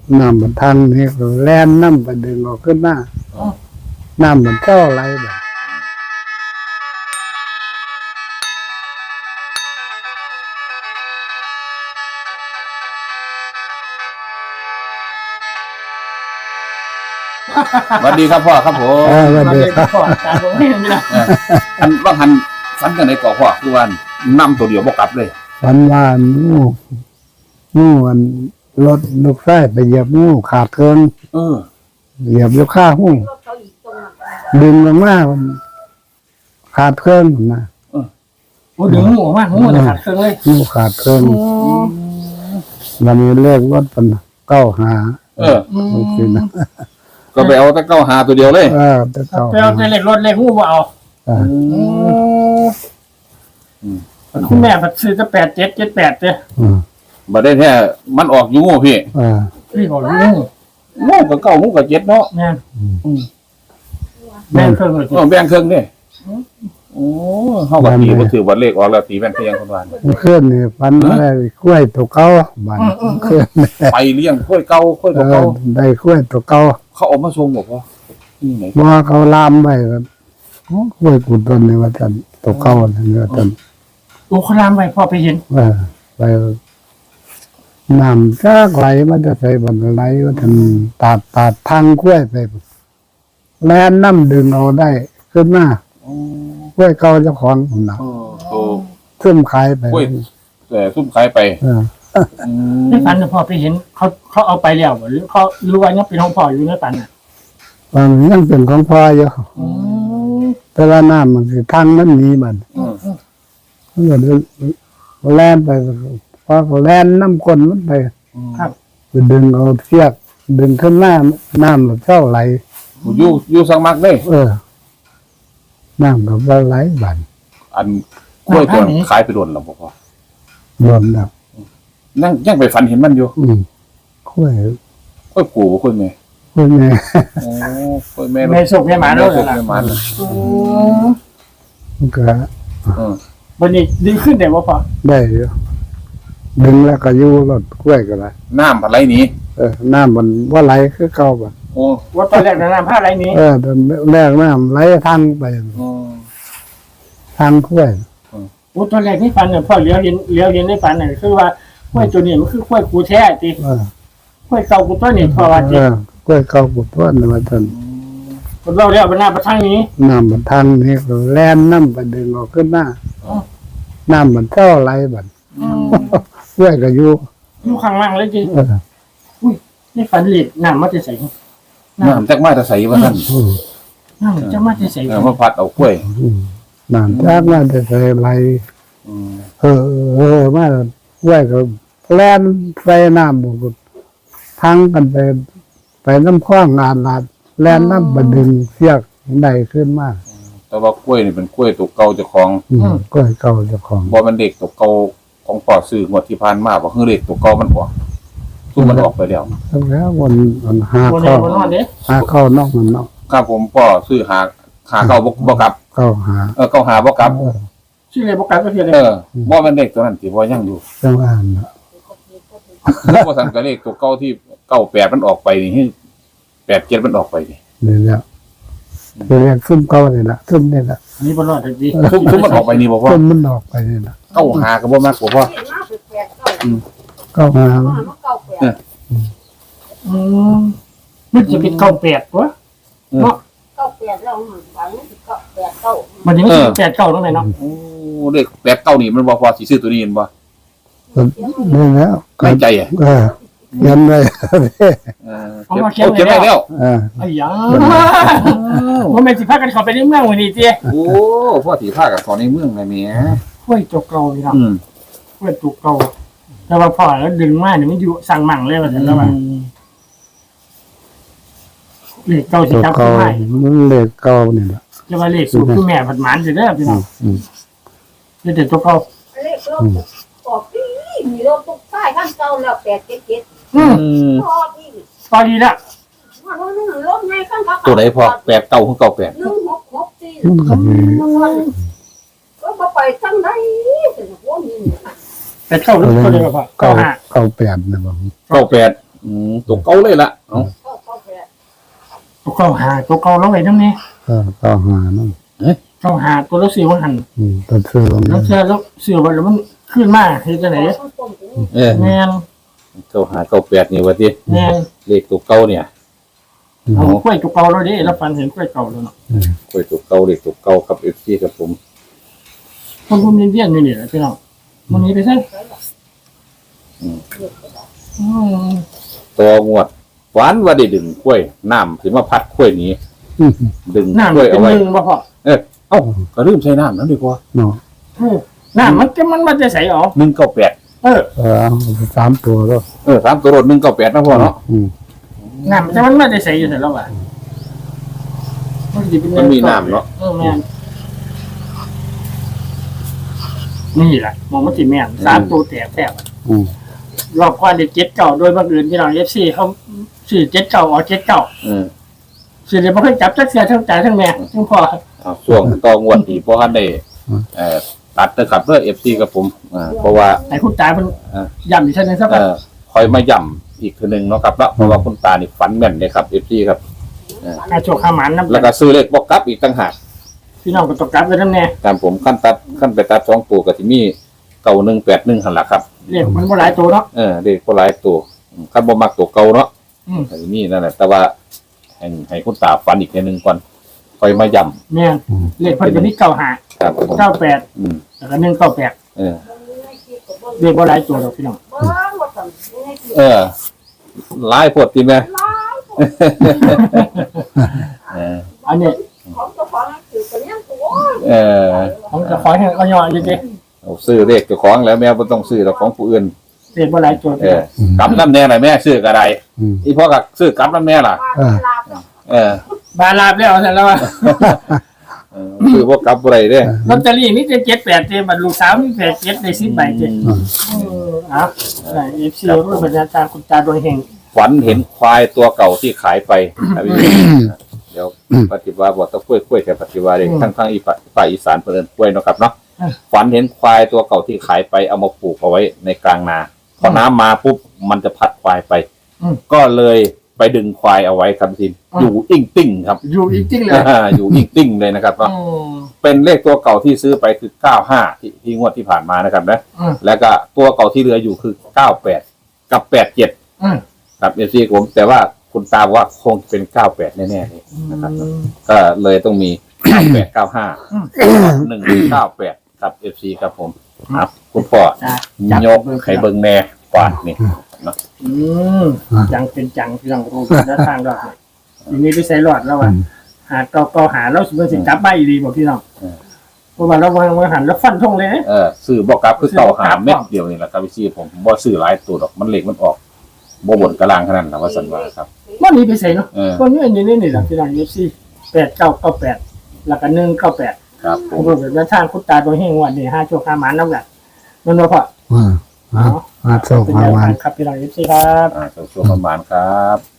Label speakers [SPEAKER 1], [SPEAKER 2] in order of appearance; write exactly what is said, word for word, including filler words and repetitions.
[SPEAKER 1] น้ำมันทางนี่ก็แล่นน้ำไปดึงออกขึ้นหน้าน้ำมันเจ้าอะไรแบบ
[SPEAKER 2] สวัสดีครับพ่อครับผม
[SPEAKER 1] เออวันเดียวครับ
[SPEAKER 3] พ่อตาผมไม่เห็นนะ
[SPEAKER 2] เอออันว่าหันฝันกันในเกาะพ่อคือวันนํตัวเดียวบ่กลับเลย
[SPEAKER 1] ฝันว่างูงูมันรถลูกไส้ไปเหยียบงูขาดเกิน
[SPEAKER 2] เออ
[SPEAKER 1] เหยียบอยู่ข้าหูดึงลงมามันขาดเครื่องนะ
[SPEAKER 3] โอ้ดึงงูออกมางูจะขาดเครื่องเลย
[SPEAKER 1] งูขาดเครื่องวันนี้เลขรถเป็นเก้าหา
[SPEAKER 2] เออ
[SPEAKER 1] โอเคนะ
[SPEAKER 2] ก็ไปเอาแต่เก้าหาตัวเดียวเลย
[SPEAKER 1] เออจะเก้า
[SPEAKER 3] ไปเอาแต่เล็กรถเล็กงูมาเอา
[SPEAKER 1] อ่า
[SPEAKER 3] คุณแม่บัดซื้อจะแปดเจ็ดเจ็ดแปดเจ้
[SPEAKER 1] อืม
[SPEAKER 2] บ่ได้แท้มันออกอยู่งูพี่
[SPEAKER 1] อ่า
[SPEAKER 3] พี่บอกงู
[SPEAKER 2] งูก็เก้างูก็เจ็ดเนาะ
[SPEAKER 3] แม่น
[SPEAKER 2] อืม
[SPEAKER 3] แม่นเครื่องเลย
[SPEAKER 2] เออแบ่งครึ่งเด้โอ้เฮาก็ตีบ่ถือว่าเลขออกแล้วตีแบ่งเพียงคนว่า
[SPEAKER 1] เคลื่อนนี่ฟันอะไรกล้วยตัวเก้าบันเคลื่อน
[SPEAKER 2] ไปเลี้ยงค่อยเก่าค่อย
[SPEAKER 1] เอ
[SPEAKER 2] ตัวเก่า
[SPEAKER 1] อได้กล้วยตัวเก้า
[SPEAKER 2] เขาเออกมาส่งบ่พ่อนี่ไหน
[SPEAKER 1] ว่าเขาลามไปครับกล้วยกุดต้นนี่ว่าจันตัวเก้านี่ว่าจัน
[SPEAKER 3] โอ้เขาลามไปพ่อไปเห็น
[SPEAKER 1] เออไปน้ำจากไหลมันจะใส่บันไหลว่าจันตัดตัดทางกล้วยไปแล่นน้ำดึงเอาได้ขึ้นมากล้วยเก่าเจ้าของผมนะ
[SPEAKER 2] เออตัว
[SPEAKER 1] ซึมขายไป
[SPEAKER 2] กล้วย แต่ซุ่มขายไป
[SPEAKER 1] เออ
[SPEAKER 2] อืม
[SPEAKER 3] ในฝันพ่อไปเห็นเขาเขาเอาไปแล้วหรือเขารู้ว่ายังเป็นของพ่ออยู่ในฝันอ่ะ
[SPEAKER 1] บางยังเป็นของพ่ออยู่
[SPEAKER 3] อืม
[SPEAKER 1] แต่ว่าน้ำมันคือทางนั้นหนี้มัน
[SPEAKER 2] อืม
[SPEAKER 1] มันก็แล่นไปพอเขาแล่นน้ำก้นมันไป
[SPEAKER 3] ครับ
[SPEAKER 1] ไปดึงเอาเชือกดึงขึ้นหน้าน้ำมันเจ้าไหล
[SPEAKER 2] อยู่อยู่สังมักเด้
[SPEAKER 1] เออน้ำกับว่าไหลบัน
[SPEAKER 2] อันกล้วยตัวขายไปโดนแล้วบ่พ่อ
[SPEAKER 1] รวมแล้ว
[SPEAKER 2] นั่งยังไปฝันเห็นมันอยู่
[SPEAKER 1] อืมค่อย
[SPEAKER 2] กล้วยปู่บ่กล้วยแม่
[SPEAKER 1] ค่อยแม่
[SPEAKER 2] โอ้กล้วยแม่
[SPEAKER 3] แม่สุกแม่หมาด้วย
[SPEAKER 2] แม่
[SPEAKER 3] ล่ะ
[SPEAKER 2] แม่หมาเลย
[SPEAKER 1] มันก็
[SPEAKER 2] เออ
[SPEAKER 3] วันนี้ดึงขึ้นได้ว่าพ่อ
[SPEAKER 1] ได้อยู่ดึงแล้วก็อยู่รถกล้วยก็ได้
[SPEAKER 2] น้ำอะไรหนี้
[SPEAKER 1] เออน้ำมันว่าไหลคือเก่าบัน
[SPEAKER 2] โอ้
[SPEAKER 3] ว่าตอนแรกน้ำผ้าไรนี้
[SPEAKER 1] เออตอนแรกน้ำไหลทางไป
[SPEAKER 2] โอ้
[SPEAKER 1] ทางกล้วย
[SPEAKER 3] โอ้ตอนแรกที่ฝันเนี่ยพ่อเลี้ยวเห็นเลี้ยวเห็นในฝันเนี่ยคือว่ากล้วยตัวนี้มันคือกล้วยกูแท้จี
[SPEAKER 1] เออก
[SPEAKER 3] ล้วยเก่ากูตัวนี้พ่อว่า
[SPEAKER 1] เอ
[SPEAKER 3] จี
[SPEAKER 1] อกล้วยเก่ากุดต้นมาจน
[SPEAKER 3] คนเราเรียกเป็นหน้าประทังนี้
[SPEAKER 1] น้ำมันทางนี่ก็แล่นน้ำไปดึงออกขึ้นหน้า
[SPEAKER 3] อ๋อ
[SPEAKER 1] น้ำมันเจ้าไหลบันกล้วยก็อยู่
[SPEAKER 3] อยู่ข้างล่างเลยจี
[SPEAKER 1] เออ
[SPEAKER 3] ในฝันเหล็กน้ำมันจะใส่น้
[SPEAKER 2] น้ำจักมาแต่ใส่ว่าท่าน
[SPEAKER 1] อืม
[SPEAKER 3] ำน้ำจะมาจะใส่
[SPEAKER 2] เออมาพัดเอากล้วย
[SPEAKER 1] อืมน้ำจากมาจะใส่ไหล
[SPEAKER 2] อืม
[SPEAKER 1] เออเออมากล้วยก็แล่นไปน้ำบุกทางกันไป ไปน้ำคว้างงานลาดแล่นน้ำบดึงเสียกได้ขึ้นมา
[SPEAKER 2] แต่ว่ากล้วยนี่เป็นกล้วยตัวเก่าเจ้าของ
[SPEAKER 1] อืมกล้วยเก่าเจ้าของ
[SPEAKER 2] บ่มันเด็กตัวเก่าของพ่อซื้องวดที่ผ่านมาบ่คือเด็กตัวเก่ามันออกซุ่มมันออกไปแล้ว
[SPEAKER 1] แล้ววันวันหา
[SPEAKER 3] บนไหน
[SPEAKER 1] เข้า
[SPEAKER 3] บนนอนเด้
[SPEAKER 1] หาเข้านอกมันเนาะ
[SPEAKER 2] ครับผมพ่อซื้อหาหาเก่าบ่บ่กลับ
[SPEAKER 1] เข้าหา
[SPEAKER 2] เออเก่าหาบ่กลับ
[SPEAKER 1] เออ
[SPEAKER 3] ชื่ออะไรบอกกันก็คืออะไร
[SPEAKER 2] เออบ่มันเด็กตัวนั้นที่บ่ยังอยู่
[SPEAKER 1] จังอ่านเนาะ
[SPEAKER 2] แล้วบ่ซั่นก็เลขตัวเก่าที่เก้าแปดมันออกไปนี่แปดเจ็ดมันออกไปนี่
[SPEAKER 1] นี่แหละเรียกซุ่มเก่าเลยละซุ่มนี่แหละ
[SPEAKER 3] นี่บนนอนแต่ดี
[SPEAKER 2] ซุ่มซุ่มมันออกไปนี่บ่พ่อ
[SPEAKER 1] ซุ่มมันออกไปนี่แหละ
[SPEAKER 2] เก้าหาก็บ่มักบ่พ่อ
[SPEAKER 1] เข้าหา
[SPEAKER 3] อืมมันจะเป็นเก้าแปดวะเนาะ
[SPEAKER 4] เก้าแปดแล้วหวังเก้าแปดเก้า
[SPEAKER 3] มันยังไม่ถึงแปดเก้าตรงไหนเนาะ
[SPEAKER 2] โอ้เลขแปดเก้านี่มันบ่พอสิซื้อตัวนี้เห็นบ่
[SPEAKER 1] นี่แล้ว
[SPEAKER 2] ในใจอ่ะ
[SPEAKER 1] เออยันเลย
[SPEAKER 2] เออเก็บเก็บได้แล้ว
[SPEAKER 1] เออ
[SPEAKER 3] ไอ้ยาว่าแม่สิพากันเข้าไปในเมืองวันนี้เจ้
[SPEAKER 2] โอ้พ่อสีผ้ากับขอในเมืองไงเมีย
[SPEAKER 3] ห้วยตัวเก่าพี่น้อง
[SPEAKER 2] อืม
[SPEAKER 3] ห้วยตัวเก่าแต่ว่าพอแล้วดึงมาเนี่ยมันอยู่สั่งมั่งเลยว่าแต่ละวันเลขเก้าสิ
[SPEAKER 1] ตัว
[SPEAKER 3] จับ
[SPEAKER 1] เก่า
[SPEAKER 3] ขึ้นมา
[SPEAKER 1] มันเลขเก่านี่แหละ
[SPEAKER 3] จะว่าเลขสูตรคือแม่ผัดหมานสิเด้อพี่น้อง
[SPEAKER 1] อืม
[SPEAKER 3] เลขเด็ดตัวเก่า
[SPEAKER 4] เลขรถออกปีมีรถตุ๊กป้ายข้างเก่าแล้วแปดเจ็ดเจ็ด
[SPEAKER 3] อืม
[SPEAKER 2] อืม
[SPEAKER 4] พอดี
[SPEAKER 3] ตอนนี้ละ
[SPEAKER 4] มันรถไงข้างเก่า
[SPEAKER 2] ตัวไหนพอแปดเก้าของเก้าแปด
[SPEAKER 4] หนึ่งหกหกสี่
[SPEAKER 1] มันก็มี
[SPEAKER 4] ก็มาไปทั้งไหนถึงหัวนี่
[SPEAKER 3] แปดเก้าหรือตัวเดียวพ่อ
[SPEAKER 1] เก้า
[SPEAKER 3] เก้าห้า
[SPEAKER 1] เก้าแปดนะบาง
[SPEAKER 2] เก้าแปดอืมตัวเก่าเลยล่ะเอ้า
[SPEAKER 4] เก้าเก้าแปด
[SPEAKER 3] ตัวเก่าหาตัวเก่าลงไปน้ำเนี่ย
[SPEAKER 1] ก็ก็หานั่น
[SPEAKER 3] เก่าหาตัวละสี่วันหัน
[SPEAKER 1] อืมต้นซื้อลง
[SPEAKER 3] แล้ว
[SPEAKER 1] นี้
[SPEAKER 3] เชื่อแล้วเสื่อวันแล้วมันขึ้นมาเฮ็ดจังไหน
[SPEAKER 4] ต้นต้นถึง
[SPEAKER 2] เออ
[SPEAKER 3] แมน
[SPEAKER 2] เก้าหาเก้าแปดนี่ว่าติ
[SPEAKER 3] แมน
[SPEAKER 2] เลขตัวเก่าเนี่ย
[SPEAKER 3] เอากล้วยตัวเก่าแล้วดิแล้วฟันเห็นกล้วยเก่าแล้วเนาะ
[SPEAKER 2] กล้วยตัวเก่าเลขตัวเก่าครับ เอฟ ซี ครับผม
[SPEAKER 3] คนพุ่มเย็นๆนี่นี่แหละพี่น้องมันนี้ไปใช่
[SPEAKER 2] อืม
[SPEAKER 3] อืม
[SPEAKER 2] ตัวงวดหวานว่าได้ดึงกล้วยน้ำถึงว่าพัดกล้วยหนี้
[SPEAKER 1] อืม
[SPEAKER 2] ดึง
[SPEAKER 3] น้ำ
[SPEAKER 2] กล้วย
[SPEAKER 3] เป็
[SPEAKER 2] เอา
[SPEAKER 3] น
[SPEAKER 2] ไว้
[SPEAKER 3] หนึ่งบ่พอ
[SPEAKER 2] เออเอ้าก็ลืมใช้น้ำนั่นดีกว่า
[SPEAKER 1] เนาะ
[SPEAKER 3] เออน้ำมันจะมันมันจะใสออก
[SPEAKER 2] หนึ่งเก้าแปด
[SPEAKER 3] เออ
[SPEAKER 1] เออเอาสามตัวก็
[SPEAKER 2] เออสามตัวรถหนึ่งเก้าแปดนะพ่อเนาะ
[SPEAKER 1] อืม
[SPEAKER 3] น้ำจะมันมันจะใสอยู่เสร็จแล้วว่ะมันสิเป็น
[SPEAKER 2] มันมีน้ำเนาะ
[SPEAKER 3] เออแม่นนี่แหละมองมันสิแม่นสามตัวแตกแตก
[SPEAKER 1] อืม
[SPEAKER 3] รอบกว่าเด็กเจ็ดเก่าโดยบังเอิญพี่น้องเอฟซีเขาสื่อเจ็ดเก่าออกเจ็ดเก่า
[SPEAKER 2] เออ
[SPEAKER 3] สื่อเดี๋ยวบ่เคยจับจักเสียทั้งจ่ายทั้งแม่ทั้งพ่อ
[SPEAKER 2] เอาช่วงต่องวดอีกเพราะท่านได้เอ่อตัดนะครับเพื่อ เอฟ ซี กับผมอ่าเพราะว่า
[SPEAKER 3] ไอ้คุณตาเพิ่น
[SPEAKER 2] อ่า
[SPEAKER 3] ย้ำอีกเท่านึงสัก
[SPEAKER 2] เอ่อคอยมาย่ำอีกทีหนึ่งเนาะครับแล้วเพราะว่าคุณตานี่ฝันแม่นเลยครับ เอฟ ซี ครับ
[SPEAKER 3] อาโชคขาหมันน้ำ
[SPEAKER 2] แล้วก็ซื้อเลขบอกกลับอีกต่างหาก
[SPEAKER 3] พี่น้องก็ตกกลับกันทั้งแน่
[SPEAKER 2] ตามผมขั้นตัดขั้นไปตัดสองตัวกับที่มีเก่าหนึ่งแปดหนึ่งหันหลักครับ
[SPEAKER 3] เรียกมันบ่หลายตัวเนาะ
[SPEAKER 2] เออเด็กก็หลายตัวอืมขั้นบ่มักตัวเก่าเนาะ
[SPEAKER 3] อืม
[SPEAKER 2] แต่ที่นี่นั่นแหละแต่ว่าให้ให้คุณตาฝันอีกทีหนึ่งก่อนคอยมาย่
[SPEAKER 3] แม่นเลขเพิ่นจะมีเก้าห้า
[SPEAKER 2] ำครับผม
[SPEAKER 3] เก้าแปด
[SPEAKER 2] อืม
[SPEAKER 3] แล้วก็หนึ่งเก้าแปด
[SPEAKER 2] เออ
[SPEAKER 3] เรียกบ่หลายตัวดอกพี่น้อง
[SPEAKER 4] เบิ้งว่าสั่งยังไงสิ
[SPEAKER 2] เออหลายปวดทีแม่
[SPEAKER 4] ล้าย
[SPEAKER 2] เออ
[SPEAKER 3] อันนี้
[SPEAKER 4] ของเจ้าของนั่นคือเป็นยังตัว
[SPEAKER 2] เออ
[SPEAKER 3] ผมจะขอให้เอาย่ออยู่ดิ
[SPEAKER 2] เอาซื้อเลขเจ้าของแล้วแม่บ่ต้องซื้อแต่ของผู้อื่น
[SPEAKER 3] เรียกบ่หลายตัว
[SPEAKER 2] เออกลับน้ำแน่หน่อยแม่ซื้อกระได
[SPEAKER 1] อืม
[SPEAKER 2] อีพ่อกับซื้อกลับน้ำแน่ล่ะ
[SPEAKER 4] ว่าเวลาเนาะ
[SPEAKER 2] เออบ
[SPEAKER 3] าลาบแล้วเสร็จแล้วว่า
[SPEAKER 2] เออซื้อพวกกลับอะไรเด้
[SPEAKER 3] ลอตเตอรี่มีแต่เจ็ดแปดเต็มบัตรลูกสาวมีแปดเจ็ดได้สิบใบเต็ม
[SPEAKER 2] อืม
[SPEAKER 3] เอออ่ะเอฟซีรุ่นบรรยาจารย์คุณตาโดยเฮง
[SPEAKER 2] ฝันเห็นควายตัวเก่าที่ขายไปครับพี่เดี๋ยวปฏิวัติบอกตะกล้วยกล้วยแต่ปฏิวัติเองทั้งทั้งอีปะภาคอีสานเพิ่นกล้วยเนาะครับเนาะฝันเห็นควายตัวเก่าที่ขายไปเอามาปลูกเอาไว้ในกลางนาพอน้ำมาปุ๊บมันจะพัดควายไป ก็เลยไปดึงควายเอาไว้ครับทีอยู่อิ่งติ้งครับ
[SPEAKER 3] อยู่อีกจริงเลย
[SPEAKER 2] อยู่อิ่งติ้งเลยนะครับเนาะ
[SPEAKER 3] อืม
[SPEAKER 2] เป็นเลขตัวเก่าที่ซื้อไปคือเก้าห้าที่ที่งวดที่ผ่านมานะครับนะ
[SPEAKER 3] อืม
[SPEAKER 2] แล้วก็ตัวเก่าที่เหลืออยู่คือเก้าแปดกับแปดเจ็ด
[SPEAKER 3] อืม
[SPEAKER 2] ครับเอฟซีผมแต่ว่าคุณตาบอกว่าคงเป็นเก้าแปดแน่ๆเลยนะครับ ก็เลยต้องมีเก้าแปดเก้าห้าหนึ่งเก้าแปดครับเอฟซีครับผมครับคุณพ่อ
[SPEAKER 3] จ้ะจับ
[SPEAKER 2] ยกไข่เบิงแน่กวาดนี่เนาะ
[SPEAKER 3] อืมจังเป็นจังพี่น้องรู้แล้วทางรอดเนี่ยทีนี้ไปใส่รอดแล้วอ่ะหาเกาเกาหาแล้วสิเพิ่นสิจับมาอีดีบอกพี่น้องเพราะว่าเราวางวางหันแล้วฟันธงเลยนะ
[SPEAKER 2] เออซื้อบอกกลับคือเก่าหาเม็ดเดียวนี่แหละครับเอฟซีผมบ่ซื้อหลายตัวดอกมันเล็กมันออกบ่บนกระลางขนาดนั้นว่าสันว่าครับ
[SPEAKER 3] วันนี้ไปใส่เนาะ
[SPEAKER 2] เออ
[SPEAKER 3] คนนี้อันนี้นี่แหละพี่น้องเอฟซีแปดเก้าเก้าแปดแล้วก็หนึ่งเก้าแปด
[SPEAKER 2] ครับผ
[SPEAKER 3] ผม มเป็นว่าทางคุณตาโดยเฮงวันนี้ห้าโชคห้าหมานน้ำหนักนั่นว่าพอ
[SPEAKER 1] อ่าอ่าอ่าโชค
[SPEAKER 3] เป็น
[SPEAKER 1] มา
[SPEAKER 3] แนว
[SPEAKER 1] วั
[SPEAKER 3] ทาน งครับพี่น้องเอฟซีครับ
[SPEAKER 2] อ่าช่วงประมาณครับ